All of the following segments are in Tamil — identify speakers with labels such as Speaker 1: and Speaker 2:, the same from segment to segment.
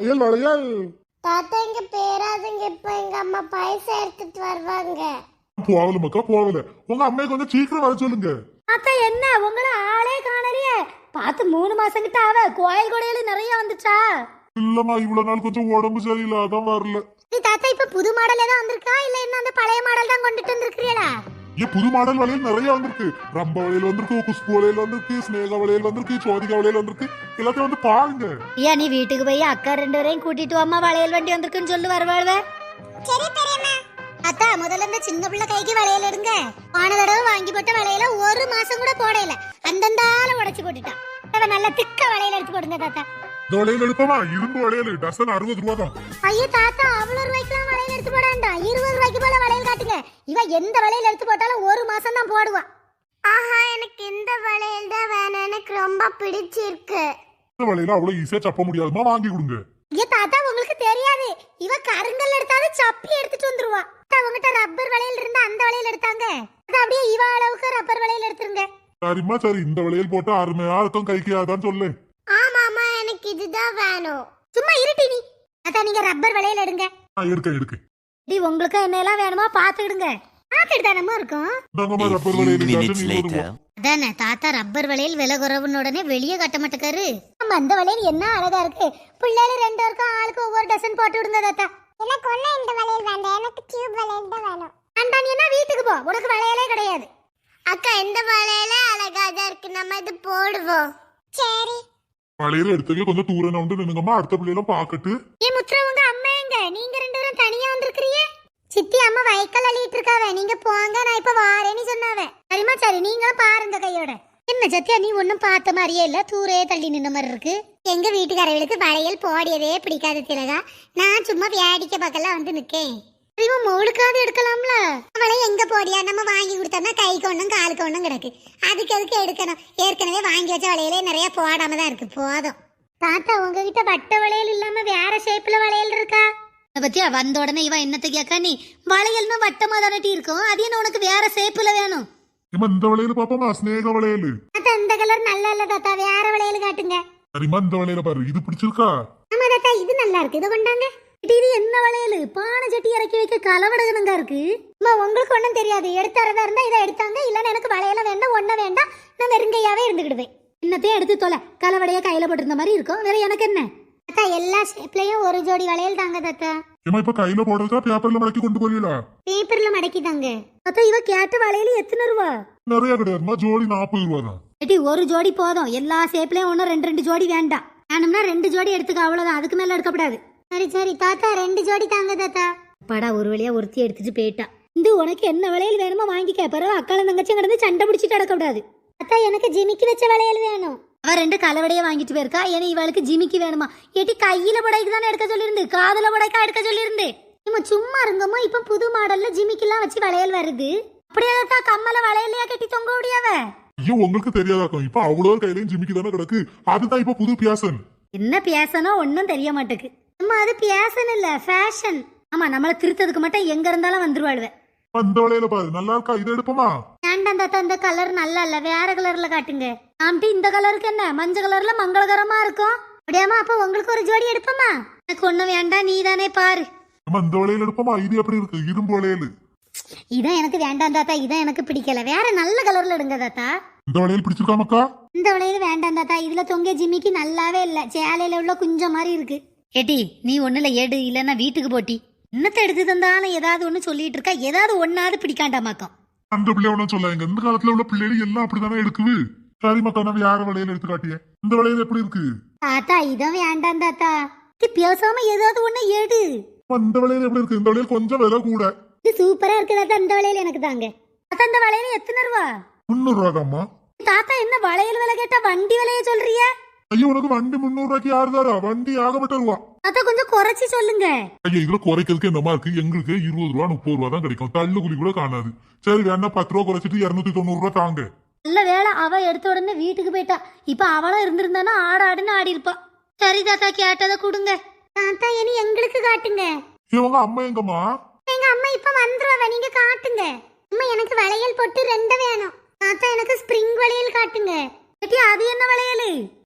Speaker 1: வளையல் வளையல்.
Speaker 2: தாத்தா இங்க பேராதுங்க, இப்ப எங்க அம்மா பைசா எடுத்துட்டு வருவாங்க.
Speaker 1: போகல மக்கா போகல. உங்க அம்மையை கொஞ்சம் சீக்கிரம் வர சொல்லுங்க.
Speaker 3: தாத்தா என்ன உங்களை ஆளே காணலையே? பார்த்து 3 மாசம் கிட்ட ஆவ. கோயில் கொடையில நிறைய வந்துச்சா?
Speaker 1: இல்லம்மா, இவ்வளவு நாள் கொஞ்சம் உடம்பு சரியில்லை, அதான் வரல.
Speaker 3: தாத்தா இப்ப புது மாடல் ஏதாவது வந்திருக்கா இல்ல என்ன அந்த பழைய மாடல் தான் கொண்டுட்டு வந்திருக்கீங்களா?
Speaker 1: ஏன் புது மாடல் வளையல் நிறைய வந்திருக்கு. ரம்ப வளையல் வந்திருக்கு, குஷ்பு வளையல் வந்திருக்கு, ஸ்னேகா வளையல் வந்திருக்கு, சோதிகா வளையல் வந்திருக்கு. எல்லாத்தையும் வந்து பாருங்க.
Speaker 3: ஏன் நீ வீட்டுக்கு போய் அக்கா 2 பேரையும் கூட்டிட்டு அம்மா வளையல் வண்டி வந்திருக்குன்னு சொல்லி வருவாழ்வே.
Speaker 2: சரி பெரியம்மா.
Speaker 3: அத்தா முதல்ல இந்த சின்ன பிள்ளை கைக்கு வளையல் எடுங்க. போன தடவை வாங்கி போட்ட வளையல 1 மாசம் கூட போடல, அந்தந்தால உடைச்சு போட்டுட்டான். நல்ல திக்க வளையல் எடுத்து போடுங்க தாத்தா.
Speaker 1: இந்த வளையல் எடுப்பமா, இரும்பு வளையல் டசன் 60 ரூபா தான்.
Speaker 3: ஐயோ தாத்தா, அவ்வளவு ரூபாய்க்குலாம் வளையல் எடுத்து போடாண்டா. 20 ரூபாய்க்கு போல வளையல் காட்டுங்க. இவ எந்த வளையல் எடுத்து போட்டாலும் 1 மாசம் தான் போடுவா.
Speaker 2: ஆஹா, எனக்கு இந்த வளையல் தான் வேணும், எனக்கு ரொம்ப பிடிச்சிருக்கு.
Speaker 1: இந்த வளையல அவ்வளவு ஈஸியா சப்ப முடியாதுமா, வாங்கி கொடுங்க.
Speaker 3: ஐயோ தாத்தா, உங்களுக்கு தெரியாது, இவ கருங்கல் எடுத்தாலும் சப்பி எடுத்துட்டு வந்துருவா. உங்ககிட்ட ரப்பர் வளையல் இருந்தா அந்த வளையல் எடுத்தாங்க, அது அப்படியே இவ அளவுக்கு ரப்பர் வளையல் எடுத்துருங்க.
Speaker 1: சரிம்மா சரி, இந்த வளையல் போட்டா அருமையா இருக்கும், கைக்கு அதான் சொல்லு.
Speaker 2: ஆமாமா, எனக்கு இதுதான் வேணும்.
Speaker 3: சும்மா இருட்டி நீ. அதான் நீங்க ரப்பர் வளையல் எடுங்க.
Speaker 1: எடுக்க
Speaker 3: டி உங்களுக்கு என்ன எல்லாம் வேணுமா பாத்துக்கிடுங்க. பாத்துட்டு தானமா இருக்கும்.
Speaker 1: ரப்பர் வளையல்
Speaker 3: அதானே தாத்தா, ரப்பர் வளையல் விலை குறவுன்னு உடனே வெளியே கட்ட மாட்டேக்காரு. நம்ம அந்த வளையல் என்ன அழகா இருக்கு. பிள்ளைல 2 பேருக்கும் ஆளுக்கு ஒவ்வொரு டசன் போட்டு விடுங்க தாத்தா.
Speaker 2: எனக்கு ஒண்ணு இந்த வளையல் வேண்டாம், எனக்கு டியூப் வளையல் தான் வேணும்.
Speaker 3: அண்டானியனா வீட்டுக்கு போ, உனக்கு வளையலே கிடையாது.
Speaker 2: அக்கா இந்த வளையல அழகா தான் இருக்கு, நம்ம இது போடுவோம். சரி.
Speaker 1: வளையல் எடுத்துக்க கொஞ்சம் தூரம் வந்து நின்னுங்கம்மா, அடுத்த பிள்ளைகளும் பாக்கட்டு.
Speaker 3: ஏன் முத்ரா, உங்க அம்மா எங்க? நீங்க 2 பேரும் தனியா வந்திருக்கிறீங்க. சித்தி அம்மா வைக்கல் அள்ளிட்டு இருக்காவ, நீங்க போங்க, நான் இப்ப வாரேன்னு சொன்னாவ. சரிமா சரி, நீங்களும் பாருங்க கையோட. என்ன சத்தியா, நீ ஒன்னும் பார்த்த மாதிரியே இல்ல, தூரே தள்ளி நின்ன மாதிரி இருக்கு.
Speaker 2: எங்க வீட்டுக்காரர்களுக்கு வளையல் போடியதே பிடிக்காது திலகா, நான் சும்மா வேடிக்கை பார்க்கலாம் வந்து நிக்கேன்.
Speaker 3: இவன் மோளுக்காவது எடுக்கலாம்ல.
Speaker 2: அவளை எங்க போடியா, நம்ம வாங்கி கொடுத்தோம்னா கைக்கு ஒண்ணும் காலுக்கு ஒண்ணும் கிடக்கு, அதுக்கு எதுக்கு எடுக்கணும்? ஏற்கனவே வாங்கி வச்ச வளையலே நிறைய போடாம தான் இருக்கு, போதும்.
Speaker 3: தாத்தா உங்ககிட்ட வட்ட வளையல் இல்லாம வேற ஷேப்ல வளையல் இருக்கா? பத்தியா வந்த உடனே இவன் என்னத்த கேட்கா, நீ வளையல்னா வட்டமா தானட்டி இருக்கும், அது என்ன உனக்கு வேற ஷேப்ல வேணும்?
Speaker 1: இந்த வளையல் பாப்போமா, ஸ்னேகா வளையல்.
Speaker 3: தாத்தா இந்த கலர் நல்லா இல்ல தாத்தா, வேற வளையல் காட்டுங்க.
Speaker 1: சரிம்மா, இந்த வளையல பாரு, இது பிடிச்சிருக்கா?
Speaker 3: ஆமா தாத்தா, இது நல்லா இருக்கு, இதை கொண்டாங்க. இது என்ன வளையல்? பானை சட்டி இறக்கி வைக்க கலவடகனங்க இருக்கு. உங்களுக்கு ஒண்ணும் தெரியாது, எடுத்தாரதா இருந்தா இதை எடுத்தாங்க, இல்லன்னா எனக்கு வளையல வேண்டாம், ஒன்ன வேண்டாம், நான் வெறுங்கையாவே இருந்துக்கிடுவேன். என்னத்தையும் எடுத்து தொலை, கலவடைய கையில போட்டிருந்த மாதிரி இருக்கும், வேற எனக்கு என்ன? தாத்தா எல்லா ஷேப்லயும் ஒரு ஜோடி வளையல் தாங்க தாத்தா.
Speaker 1: ஏமா இப்ப கையில போடுறதா பேப்பர்ல மடக்கி கொண்டு போறீங்களா?
Speaker 3: பேப்பர்ல மடக்கி தாங்க தாத்தா. இவ கேட்ட வளையல் எத்தனை ரூபா?
Speaker 1: நிறைய கிடையாதுமா, ஜோடி 40 ரூபா தான்.
Speaker 3: ஏடி ஒரு ஜோடி போதும், எல்லா ஷேப்லயும் ஒன்னும் 2 ஜோடி வேண்டாம். வேணும்னா 2 ஜோடி எடுத்துக்க, அவ்வளவுதான், அதுக்கு மேல எடுக்கப்படாது. சரி சரி தாத்தா, 2 ஜோடி தாங்க தாத்தா. படா ஒரு வழியா ஒருத்தி எடுத்துட்டு போயிட்டா. இந்த உனக்கு என்ன வளையல் வேணுமோ வாங்கிக்க, பிறகு அக்கால தங்கச்சி கிடந்து சண்டை பிடிச்சிட்டு அடக்கூடாது. தாத்தா எனக்கு ஜிமிக்கி வச்ச வளையல் வேணும். அவ 2 கலவடைய வாங்கிட்டு போயிருக்கா, ஏன்னா இவளுக்கு ஜிமிக்கி வேணுமா? ஏட்டி கையில புடைக்கு தானே எடுக்க சொல்லியிருந்து, காதுல புடைக்கா எடுக்க சொல்லியிருந்து. இம்மா சும்மா இருங்கம்மா, இப்ப புது மாடல்ல ஜிமிக்கிலாம் வச்சு வளையல் வருது. அப்படியே தான் கம்மல வளையலையா கட்டி தொங்க முடியாவ.
Speaker 1: ஐயோ உங்களுக்கு தெரியாதாக்கும், இப்ப அவ்வளவு கையிலையும் ஜிமிக்கி தானே கிடக்கு, அதுதான் இப்ப புது பியாசன்.
Speaker 3: என்ன பியாசனோ ஒன்னும் தெரிய மாட்டேக்கு. அம்மா அது பியாசன் இல்ல, ஃபேஷன். ஆமா, நம்மள திருத்ததுக்கு மட்டும் எங்க இருந்தாலும் வந்துருவாளுவ.
Speaker 1: இந்த வளையல பாரு, நல்லா இருக்கா? இதை எடுப்போமா?
Speaker 3: வேண்டாம் தாத்தா, இந்த கலர் நல்லா இல்ல, வேற கலர்ல காட்டுங்க. ஆம்டி இந்த கலருக்கு என்ன, மஞ்சள் கலர்ல மங்களகரமா இருக்கும். அப்படியாமா, அப்ப உங்களுக்கு ஒரு ஜோடி எடுப்போமா? எனக்கு ஒண்ணும் வேண்டாம், நீ தானே பாரு.
Speaker 1: இந்த வளையல் எடுப்போமா? இது எப்படி இருக்கு? இரும்பு வளையல்.
Speaker 3: இதான் எனக்கு வேண்டாம் தாத்தா, இதான் எனக்கு பிடிக்கல, வேற நல்ல கலர்ல எடுங்க தாத்தா.
Speaker 1: இந்த வளையல் பிடிச்சிருக்கா மக்கா?
Speaker 3: இந்த வளையல் வேண்டாம் தாத்தா, இதுல தொங்க ஜிமிக்கி நல்லாவே இல்ல, சேலையில உள்ள குஞ்சம் மாதிரி இருக்கு. ஏட்டி நீ ஒண்ணுல எடு, இல்லன்னா வீட்டுக்கு போட்டி. என்னத்தை எடுத்து தந்தாலும் ஏதாவது ஒண்ணு சொல்லிட்டு இருக்கா, ஏதாவது ஒன்னாவது பிடிக்காண்டாமாக்கும்.
Speaker 1: அந்த பிள்ளை ஒன்னும் சொல்லாங்க, இந்த காலத்துல உள்ள பிள்ளைகள் எல்லாம் அப்படித்தானே எடுக்குது. சரி மக்கா, நம்ம யார வளையல் எடுத்து காட்டிய? இந்த வளையல் எப்படி இருக்கு?
Speaker 3: தாத்தா இதான் வேண்டாம் தாத்தா, பேசாம ஏதாவது ஒண்ணு எடு.
Speaker 1: இந்த வளையல் எப்படி இருக்கு? இந்த வளையல் கொஞ்சம் விலை கூட.
Speaker 3: இது சூப்பரா இருக்கு தாத்தா, இந்த வளையல் எனக்கு தாங்க. தாத்தா இந்த வளையல் எத்தனை ரூபா?
Speaker 1: 300 ரூபாய்க்காமா?
Speaker 3: தாத்தா என்ன வளையல் விலை கேட்டா வண்டி விலைய சொல்றிய?
Speaker 1: ஐயோ உனக்கு வண்டி 300 ரூபாய்க்கு யாரு தாரா? வண்டி ஆகப்பட்ட ரூபா.
Speaker 3: தாத்தா கொஞ்சம் குறைச்சி சொல்லுங்க.
Speaker 1: ஐயா இதுல குறைக்கிறதுக்கு என்னமா இருக்கு? எங்களுக்கு 20 ரூபா 30 ரூபா தான் கிடைக்கும், தள்ளுகுலி கூட காணாது. சரி வேணா 10 ரூபா குறைச்சிட்டு 290 ரூபா தாங்க.
Speaker 3: நல்ல வேலை, அவ எடுத்த உடனே வீட்டுக்கு போயிட்டா. இப்ப அவளும் இருந்திருந்தானா ஆடாடுன்னு ஆடி இருப்பா. சரி தாத்தா, கேட்டதை கொடுங்க. தாத்தா இனி எங்களுக்கு காட்டுங்க.
Speaker 1: இவங்க அம்மா எங்கம்மா?
Speaker 3: எங்க அம்மா இப்ப வந்துருவா, நீங்க காட்டுங்க. அம்மா எனக்கு வளையல் போட்டு 2 வேணும். தாத்தா எனக்கு ஸ்ப்ரிங் வளையல் காட்டுங்க. அது என்ன வளையல்?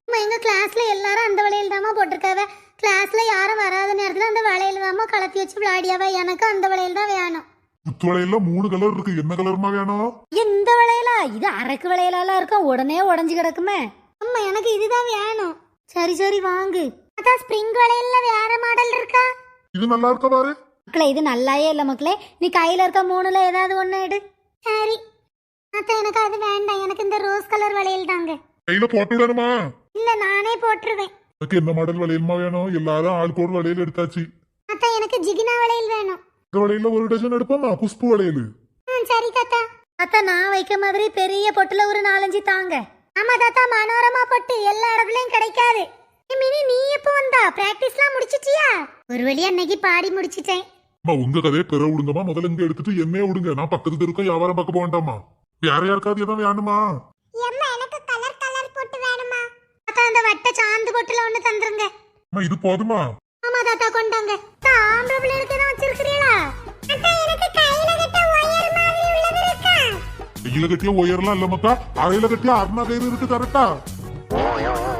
Speaker 3: அம்மா எங்க கிளாஸ்ல எல்லாரும் அந்த வளையல் தாமா போட்டிருக்காவ. கிளாஸ்ல யாரும் வராத நேரத்துல அந்த வளையல் தாமா கலத்தி வச்சு விளையாடியாவ. எனக்கு அந்த வளையல் தான் வேணும்.
Speaker 1: குத்து வளையல்ல 3 கலர் இருக்கு, என்ன கலர்மா வேணும்?
Speaker 3: இந்த வளையலா? இது அரக்கு வளையலாலாம் இருக்கும், உடனே உடஞ்சு கிடக்குமே. அம்மா எனக்கு இதுதான் வேணும். சரி சரி வாங்கு. அதான் ஸ்ப்ரிங் வளையல்ல வேற மாடல் இருக்கா?
Speaker 1: இது நல்லா இருக்கா பாரு.
Speaker 3: மக்களே இது நல்லாயே இல்ல மக்களே. நீ கையில இருக்க 3ல ஏதாவது ஒண்ணு எடு. சரி அத்தை எனக்கு அது வேண்டாம். எனக்கு இந்த ரோஸ் கலர் வளையல் தாங்க.
Speaker 1: கையில போட்டு விடணுமா?
Speaker 3: இல்ல நானே போட்டுருவேன்.
Speaker 1: எனக்கு என்ன மாடல் வளையல்மா வேணும்? எல்லாரும் ஆளுக்கு ஒரு வளையல் எடுத்தாச்சு.
Speaker 3: அத்தை எனக்கு ஜிகினா வளையல் வேணும்.
Speaker 1: இந்த வளையல்ல ஒரு டஜன் எடுப்போமா? குஷ்பு வளையல்.
Speaker 3: சரி தாத்தா. தாத்தா நான் வைக்க மாதிரி பெரிய பொட்டுல ஒரு 4-5 தாங்க. ஆமா தாத்தா, மனோரமா பொட்டு எல்லா இடத்துலயும் கிடைக்காது. மினி நீ எப்போ வந்தா? பிராக்டிஸ்லாம் முடிச்சிட்டியா? ஒரு வழியா இன்னைக்கு பாடி முடிச்சிட்டேன்.
Speaker 1: அம்மா உங்க கதையை பெற விடுங்கம்மா. முதல்ல இங்க எடுத்துட்டு என்னைய விடுங்க. நான் பக்கத்து தெருக்கும் வியாபாரம் பார்க்க போவேண்டாமா? வேற யாருக்காவது எதாவது வேணுமா?
Speaker 2: எனக்கு கலர் கலர் போட்டு வேணுமா?
Speaker 3: தாத்தா அந்த வட்ட சாந்து பொட்டுல ஒண்ணு தந்துருங்க.
Speaker 1: அம்மா இது போதுமா?
Speaker 3: ஆமா தாத்தா கொண்டாங்க. ஆம்பளை பிள்ளைகளுக்கு தான் வச்சிருக்கிறீங்களா?
Speaker 2: அக்கா எனக்கு கையில கட்ட ஒயர் மாதிரி உள்ளது இருக்கா?
Speaker 1: கையில கட்டிய உயரலாம் இல்ல மக்கா, அறையில கட்டிய அருணா கயிறு இருக்கு கரெக்டா?